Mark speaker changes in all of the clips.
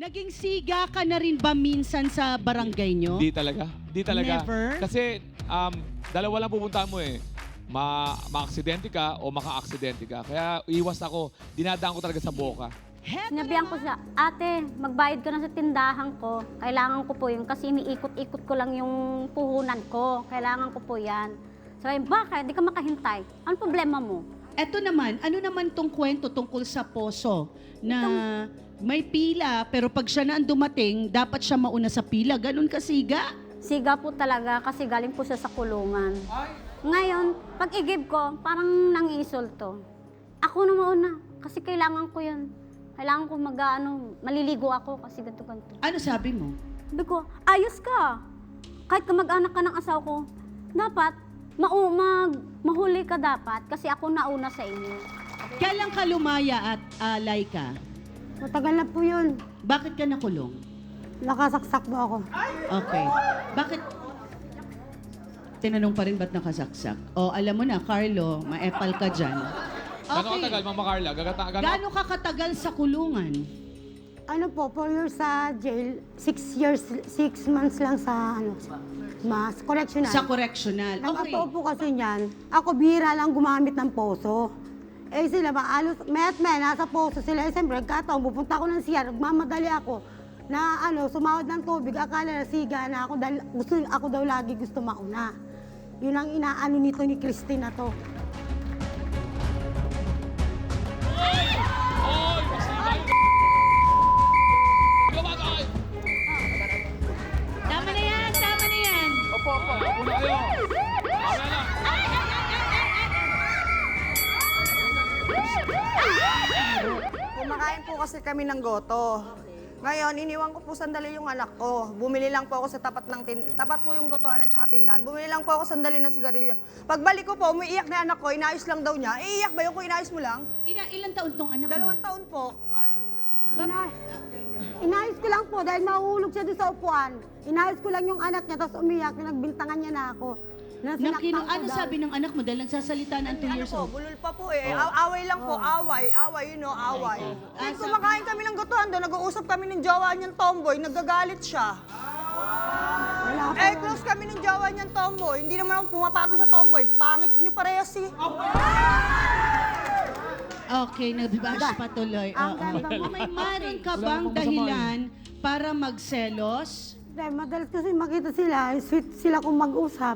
Speaker 1: Naging siga ka na rin ba minsan sa barangay nyo?
Speaker 2: Di talaga. Di talaga.
Speaker 1: Never?
Speaker 2: Kasi dalawa lang pupuntahan mo eh. Ma-aksidente ka o maka-aksidente ka. Kaya iwas ako. Dinadaan ko talaga sa boka.
Speaker 3: Sinabihan ko siya, ate, magbayad ka na sa tindahan ko. Kailangan ko po yun kasi iniikot-ikot ko lang yung puhunan ko. Kailangan ko po yan. Sabi, bakit? Di ka makahintay. Ano problema mo?
Speaker 1: Eto naman, ano naman tong kwento tungkol sa poso na may pila pero pag siya na ang dumating, dapat siya mauna sa pila. Ganun kasiga?
Speaker 3: Siga po talaga kasi galing po siya sa kulungan. Ngayon, pag i-give ko, parang nangiinsulto. Ako na mauna kasi kailangan ko yun. Kailangan ko maliligo ako kasi ganito-ganito.
Speaker 1: Ano sabi mo?
Speaker 3: Sabi ko, ayos ka. Kahit kamag-anak ka ng asawa ko, dapat mahuli ka dapat kasi ako nauna sa inyo.
Speaker 1: Kailan ka lumaya at Laika?
Speaker 4: Matagal na po yun.
Speaker 1: Bakit ka nakulong?
Speaker 4: Nakasaksak po ako.
Speaker 1: Okay. Bakit? Tinanong pa rin ba't nakasaksak? O, alam mo na, Carlo, maepal ka dyan.
Speaker 2: Gano'ng katagal, Mama Carla?
Speaker 1: Gaano ka katagal sa kulungan?
Speaker 4: Ano po, 4 years sa jail, 6 years, 6 months lang sa correctional.
Speaker 1: Sa correctional. Okay.
Speaker 4: Nakatoo po kasi niyan, ako bihira lang gumamit ng poso. Eh sila ba, nasa poso sila. Eh siyempre, kataon, pupunta ako ng CR, magmamadali ako na sumawad ng tubig, akala na siga na ako dahil ako daw lagi gusto mauna. Yun ang inaano nito ni Christine na to.
Speaker 1: Tama na yan, tama na yan.
Speaker 2: Opo. Una kayo. Tama na.
Speaker 5: Kumakain po kasi kami ng goto. Ngayon, iniwan ko po sandali yung anak ko. Bumili lang po ako sa tapat po yung gotoan at saka tindahan. Bumili lang po ako sandali ng sigarilyo. Pagbalik ko po, umiiyak na anak ko, inayos lang daw niya. Iiyak ba yung kung inayos mo lang?
Speaker 1: Ilang taon tong anak mo?
Speaker 5: 2 taon po.
Speaker 4: Inayos ko lang po dahil mahuhulog siya doon sa upuan. Inayos ko lang yung anak niya, tapos umiyak, nagbintangan niya na ako.
Speaker 1: Ano sabi ng anak mo dahil nagsasalita na 2
Speaker 5: Ano
Speaker 1: years
Speaker 5: po,
Speaker 1: old?
Speaker 5: bulol pa po eh. Away lang po, away, away. Kahit kumakain kami ng gotohan doon, nag-uusap kami ng jowa niyang tomboy, nagagalit siya.
Speaker 4: Wala po.
Speaker 5: Close kami ng jowa niyang tomboy. Hindi naman ako pumapatol sa tomboy. Pangit niyo parehas eh.
Speaker 1: Okay, nag-bash pa tuloy.
Speaker 4: Ang
Speaker 1: Oo.
Speaker 4: ganda mo.
Speaker 1: Meron ka bang dahilan para magselos?
Speaker 4: Dahil madalas kasi makita sila, sweet sila kung mag-usap.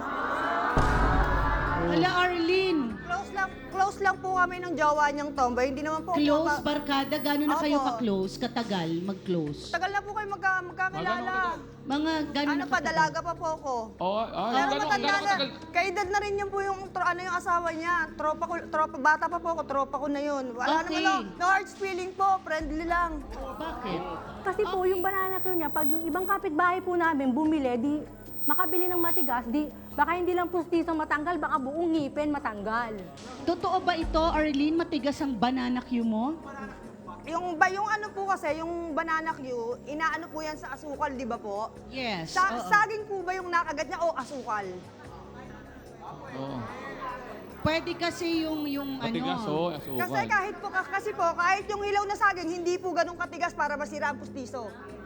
Speaker 1: Wala, Arlene.
Speaker 5: Close lang po kami ng jowa niyang tomboy. Hindi naman po
Speaker 1: Close, barkada, gano'n na kayo
Speaker 5: Opo.
Speaker 1: ka-close, katagal, mag-close?
Speaker 5: Tagal na po kayo magkakilala.
Speaker 1: Mga gano'n
Speaker 5: Ano
Speaker 1: na
Speaker 5: pa,
Speaker 1: katagal?
Speaker 5: dalaga pa po ako.
Speaker 2: Oo,
Speaker 5: Pero matanda na.
Speaker 2: katagal?
Speaker 5: Kaedad na rin yun po yung asawa niya. Tropa, bata pa po ako, tropa ko na yun. Wala
Speaker 1: Okay.
Speaker 5: naman no hard feeling po, friendly lang.
Speaker 1: Bakit?
Speaker 6: Kasi po, yung banana Q niya, pag yung ibang kapitbahay po namin bumili, di makabili ng matigas, di baka hindi lang pustiso matanggal, baka buong ngipin matanggal.
Speaker 1: Totoo ba ito, Arlene, matigas ang banana Q mo?
Speaker 5: Yung ano po kasi, yung banana Q, inaano po yan sa asukal, di ba po?
Speaker 1: Yes. oo.
Speaker 5: Saging po ba yung nakagat niya o asukal?
Speaker 2: Oo.
Speaker 1: Pwede kasi yung
Speaker 2: Matigas,
Speaker 1: ano.
Speaker 2: asukal.
Speaker 5: Kasi kahit po yung hilaw na saging, hindi po ganun katigas para masira ang pustiso.